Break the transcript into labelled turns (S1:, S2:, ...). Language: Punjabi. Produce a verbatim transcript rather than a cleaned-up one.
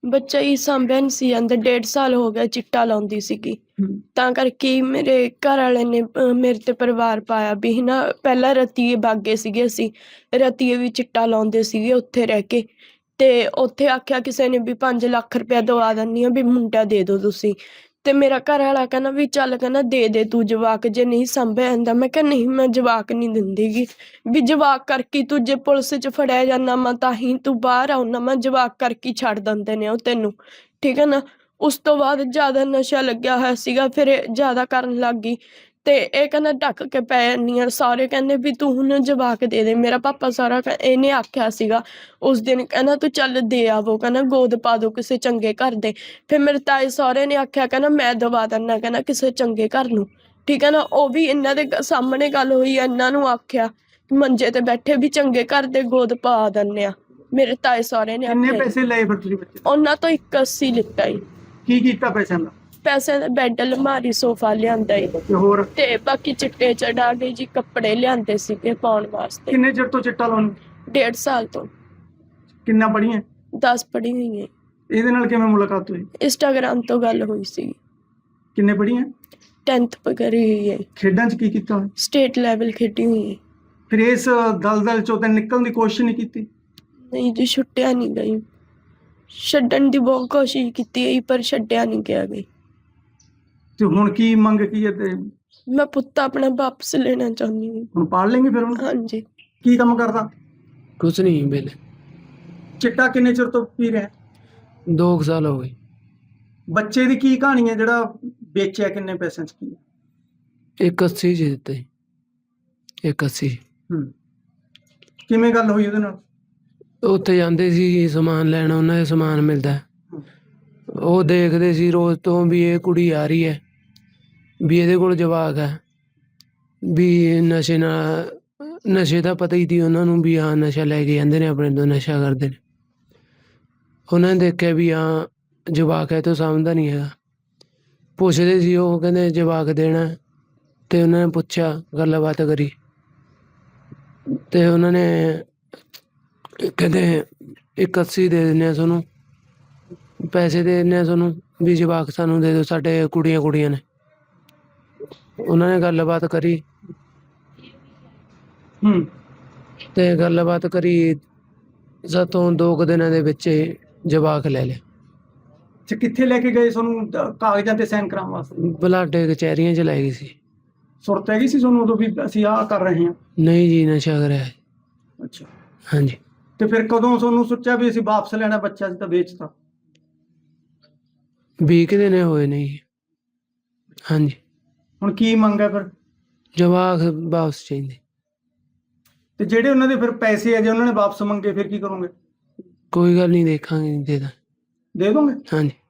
S1: ਬੱਚਾ ਹੀ ਸਾਂਭਿਆ ਨਹੀਂ ਸੀ ਜਾਂਦਾ। ਡੇਢ ਸਾਲ ਹੋ ਗਿਆ ਚਿੱਟਾ ਲਾਉਂਦੀ ਸੀਗੀ। ਤਾਂ ਕਰਕੇ ਮੇਰੇ ਘਰ ਵਾਲੇ ਨੇ ਅਹ, ਮੇਰੇ ਤੇ ਪਰਿਵਾਰ ਪਾਇਆ ਵੀ ਹਨਾ। ਪਹਿਲਾਂ ਰਤੀਏ ਬਾਗੇ ਸੀਗੇ, ਅਸੀਂ ਰਤੀਏ ਵੀ ਚਿੱਟਾ ਲਾਉਂਦੇ ਸੀਗੇ ਉੱਥੇ ਰਹਿ ਕੇ। ਤੇ ਉੱਥੇ ਆਖਿਆ ਕਿਸੇ ਨੇ ਵੀ ਪੰਜ ਲੱਖ ਰੁਪਇਆ ਦਵਾ ਦਿੰਦੀ ਆ ਵੀ ਮੁੰਡਾ ਦੇ ਦਿਓ ਤੁਸੀਂ। ਤੇ ਮੇਰਾ ਘਰ ਵਾਲਾ ਕਹਿੰਦਾ ਵੀ ਚੱਲ, ਕਹਿੰਦਾ ਦੇ ਦੇ ਤੂੰ ਜਵਾਕ, ਜੇ ਨਹੀਂ ਸਾਂਭਿਆ ਜਾਂਦਾ। ਮੈਂ ਕਿਹਾ ਨਹੀਂ, ਮੈਂ ਜਵਾਕ ਨਹੀਂ ਦਿੰਦੀਗੀ। ਵੀ ਜਵਾਕ ਕਰਕੇ ਤੂੰ ਜੇ ਪੁਲਿਸ 'ਚ ਫੜਿਆ ਜਾਂਦਾ ਮੈਂ ਤਾਂ ਹੀ ਤੂੰ ਬਾਹਰ ਆਉਣਾ, ਮੈਂ ਜਵਾਕ ਕਰਕੇ ਹੀ ਛੱਡ ਦਿੰਦੇ ਨੇ ਉਹ ਤੈਨੂੰ, ਠੀਕ ਹੈ ਨਾ। ਉਸ ਤੋਂ ਬਾਅਦ ਜ਼ਿਆਦਾ ਨਸ਼ਾ ਲੱਗਿਆ ਹੋਇਆ ਸੀਗਾ, ਫਿਰ ਇਹ ਜ਼ਿਆਦਾ ਕਰਨ ਲੱਗ ਗਈ। ਤੇ ਇਹ ਕਹਿੰਦਾ ਢੱਕ ਕੇ ਪੈ ਜਾਂਦੀ ਆ। ਸਾਰੇ ਕਹਿੰਦੇ ਵੀ ਤੂੰ ਹੁਣ ਜਵਾਕ ਦੇ ਦੇ। ਮੇਰਾ ਪਾਪਾ ਸਾਰਾ ਕਹਿ- ਇਹਨੇ ਆਖਿਆ ਸੀਗਾ ਉਸ ਦਿਨ, ਕਹਿੰਦਾ ਤੂੰ ਚੱਲ ਦੇ ਆਵੋ, ਕਹਿੰਦਾ ਗੋਦ ਪਾ ਦੋ ਕਿਸੇ ਚੰਗੇ ਘਰ ਦੇ। ਫਿਰ ਮੇਰੇ ਤਾਏ ਸਹੁਰੇ ਨੇ ਆਖਿਆ, ਕਹਿੰਦਾ ਮੈਂ ਦਵਾ ਦਿੰਦਾ, ਕਹਿੰਦਾ ਕਿਸੇ ਚੰਗੇ ਘਰ ਨੂੰ, ਠੀਕ ਹੈ ਨਾ। ਉਹ ਵੀ ਇਹਨਾਂ ਦੇ ਗ- ਸਾਹਮਣੇ ਗੱਲ ਹੋਈ ਆ, ਇਹਨਾਂ ਨੂੰ ਆਖਿਆ ਮੰਜੇ ਤੇ ਬੈਠੇ ਵੀ ਚੰਗੇ ਘਰ ਦੇ ਗੋਦ ਪਾ ਦਿੰਦੇ ਆ। ਮੇਰੇ ਤਾਏ ਸਹੁਰੇ ਨੇ
S2: ਕਿੰਨੇ
S1: ਆਖਿਆ ਜੀ।
S2: ਪੈਸੇ ਲਏ ਫਿਰ ਤੁਸੀਂ ਬੱਚੇ ਤੋਂ?
S1: ਉਹਨਾਂ ਤੋਂ ਇੱਕ ਅੱਸੀ ਲਿੱਤਾ ਜੀ।
S2: ਕੀ ਕੀਤਾ ਪੈਸਿਆਂ ਦਾ?
S1: ਪੈਸੇ ਦਾ ਬੈੱਡ, ਅਲਮਾਰੀ, ਸੋਫਾ ਲਿਆਂਦਾ ਜੀ।
S2: ਤੇ ਹੋਰ
S1: ਤੇ ਬਾਕੀ ਚਿੱਟੇ ਚੜਾ ਕੇ ਜੀ ਕੱਪੜੇ ਲਿਆਂਦੇ ਸੀਗੇ ਪਾਉਣ ਵਾਸਤੇ।
S2: ਕਿੰਨੇ ਚਿਰ ਤੋਂ ਚਿੱਟਾ ਲਾਉਣ?
S1: ਡੇਢ ਸਾਲ ਤੋਂ।
S2: ਕਿੰਨਾ ਪੜ੍ਹੀਆਂ?
S1: ਦਸ ਪੜ੍ਹੀ ਹੋਈ ਹੈ।
S2: ਇਹਦੇ ਨਾਲ ਕਿਵੇਂ ਮੁਲਾਕਾਤ ਹੋਈ?
S1: ਇੰਸਟਾਗ੍ਰਾਮ ਤੋਂ ਗੱਲ ਹੋਈ ਸੀ।
S2: ਕਿੰਨੇ ਪੜ੍ਹੀਆਂ?
S1: ਟੈਂਥ ਕਰੀ ਹੋਈ ਹੈ।
S2: ਖੇਡਾਂ 'ਚ ਕੀ ਕੀਤਾ ਹੋਇਆ?
S1: ਸਟੇਟ ਲੈਵਲ ਖੇਡੀ ਹੋਈ ਹੈ।
S2: ਫਿਰ ਇਸ ਦਲਦਲ ਚੋਂ ਤਾਂ ਨਿਕਲਣ ਦੀ ਕੋਸ਼ਿਸ਼ ਨਹੀਂ ਕੀਤੀ?
S1: ਨਹੀਂ ਜੀ, ਛੁੱਟਿਆ ਨਹੀਂ ਗਈ। ਛੱਡਣ ਦੀ ਬਹੁਤ ਕੋਸ਼ਿਸ਼ ਕੀਤੀ ਹੈ ਪਰ ਛੱਡਿਆ ਨਹੀਂ ਗਿਆ ਗਈ।
S2: ਤੇ ਹੁਣ ਕੀ ਮੰਗ ਕੀ ਹੈ? ਤੇ
S1: ਮੈਂ ਪੁੱਤ ਆਪਣਾ ਵਾਪਸ ਲੈਣਾ ਚਾਹੁੰਦੀ ਹਾਂ।
S2: ਹੁਣ ਪਾਲ ਲੈਂਗੇ ਫਿਰ ਉਹਨੂੰ?
S1: ਹਾਂਜੀ।
S2: ਕੀ ਕੰਮ ਕਰਦਾ?
S3: ਕੁਛ ਨਹੀਂ ਵੇਲੇ।
S2: ਚਿੱਟਾ ਕਿੰਨੇ ਚਿਰ ਤੋਂ ਪੀ ਰਿਹਾ?
S3: ਦੋ ਕੁ ਸਾਲ ਹੋ ਗਏ।
S2: ਬੱਚੇ ਦੀ ਕੀ ਕਹਾਣੀ ਹੈ ਜਿਹੜਾ ਵੇਚਿਆ? ਕਿੰਨੇ ਪੈਸਿਆਂ 'ਚ ਕੀ?
S3: ਇੱਕ ਅੱਸੀ ਚ ਦਿੱਤੇ। ਇੱਕ ਅੱਸੀ।
S2: ਹੂੰ। ਕਿਵੇਂ ਗੱਲ ਹੋਈ ਉਹਦੇ ਨਾਲ?
S3: ਉੱਥੇ ਜਾਂਦੇ ਸੀ ਸਮਾਨ ਲੈਣ, ਉਹਨਾਂ ਦੇ ਸਮਾਨ ਮਿਲਦਾ। ਉਹ ਦੇਖਦੇ ਸੀ ਰੋਜ਼ ਤੋਂ ਵੀ ਇਹ ਕੁੜੀ ਆ ਰਹੀ ਹੈ, ਵੀ ਇਹਦੇ ਕੋਲ ਜਵਾਕ ਹੈ, ਵੀ ਨਸ਼ੇ ਨਾਲ, ਨਸ਼ੇ ਦਾ ਪਤਾ ਹੀ ਸੀ ਉਹਨਾਂ ਨੂੰ ਵੀ ਹਾਂ ਨਸ਼ਾ ਲੈ ਕੇ ਜਾਂਦੇ ਨੇ ਆਪਣੇ ਤੋਂ, ਨਸ਼ਾ ਕਰਦੇ ਨੇ। ਉਹਨਾਂ ਨੇ ਦੇਖਿਆ ਵੀ ਹਾਂ ਜਵਾਕ ਹੈ ਤੋਂ ਸਮਝਦਾ ਨਹੀਂ ਹੈਗਾ। ਪੁੱਛਦੇ ਸੀ ਉਹ, ਕਹਿੰਦੇ ਜਵਾਕ ਦੇਣਾ। ਤੇ ਉਹਨਾਂ ਨੇ ਪੁੱਛਿਆ, ਗੱਲਬਾਤ ਕਰੀ, ਤੇ ਉਹਨਾਂ ਨੇ ਕਹਿੰਦੇ ਇੱਕ ਅੱਸੀ ਦੇ ਦਿੰਦੇ ਹਾਂ ਤੁਹਾਨੂੰ, ਪੈਸੇ ਦੇ ਦਿੰਦੇ ਹਾਂ ਤੁਹਾਨੂੰ, ਵੀ ਜਵਾਕ ਸਾਨੂੰ ਦੇ ਦਿਓ, ਸਾਡੇ ਕੁੜੀਆਂ ਕੁੜੀਆਂ ਨੇ। ਉਹਨਾਂ ਨੇ ਗੱਲਬਾਤ ਕਰੀ
S2: ਹੂੰ।
S3: ਤੇ ਗੱਲਬਾਤ ਕਰੀ ਸਾਤੋਂ ਦੋ ਕੁ ਦਿਨਾਂ ਦੇ ਵਿੱਚ ਹੀ ਜਵਾਕ ਲੈ ਲਿਆ।
S2: ਤੇ ਕਿੱਥੇ ਲੈ ਕੇ ਗਏ ਤੁਹਾਨੂੰ ਦ- ਕਾਗਜ਼ਾਂ ਤੇ ਸਾਈਨ ਕਰਾਉਣ ਵਾਸਤੇ?
S3: ਬਲਾਡੇ ਕਚਹਿਰੀਆਂ ਚ ਲੈ ਗਈ ਸੀ।
S2: ਸੁਰਤ ਹੈਗੀ ਸੀ ਤੁਹਾਨੂੰ ਉਦੋਂ ਵੀ ਅਸੀਂ ਆਹ ਕਰ ਰਹੇ ਹਾਂ?
S3: ਨਹੀਂ ਜੀ, ਨਸ਼ਾ ਕਰਿਆ।
S2: ਅੱਛਾ।
S3: ਹਾਂਜੀ।
S2: ਤੇ ਫਿਰ ਕਦੋਂ ਤੁਹਾਨੂੰ ਸੋਚਿਆ ਵੀ ਅਸੀਂ ਵਾਪਸ ਲੈਣਾ ਬੱਚਾ, ਸੀ ਤਾਂ ਵੇਚਤਾ?
S3: ਵੀਹ ਕੁ ਦਿਨ ਹੋਏ ਨੇ ਜੀ। ਹਾਂਜੀ।
S2: ਹੁਣ ਕੀ ਮੰਗ ਹੈ ਫਿਰ?
S3: ਜਵਾਕ ਵਾਪਸ ਚਾਹੀਦੇ।
S2: ਤੇ ਜਿਹੜੇ ਉਹਨਾਂ ਦੇ ਫਿਰ ਪੈਸੇ ਆ, ਜੇ ਉਹਨਾਂ ਨੇ ਵਾਪਸ ਮੰਗੇ ਫਿਰ ਕੀ ਕਰੋਗੇ?
S3: ਕੋਈ ਗੱਲ ਨਹੀਂ, ਦੇਖਾਂਗੇ, ਦੇ ਦਾਂ।
S2: ਦੇ ਦੋਗੇ?
S3: ਹਾਂਜੀ।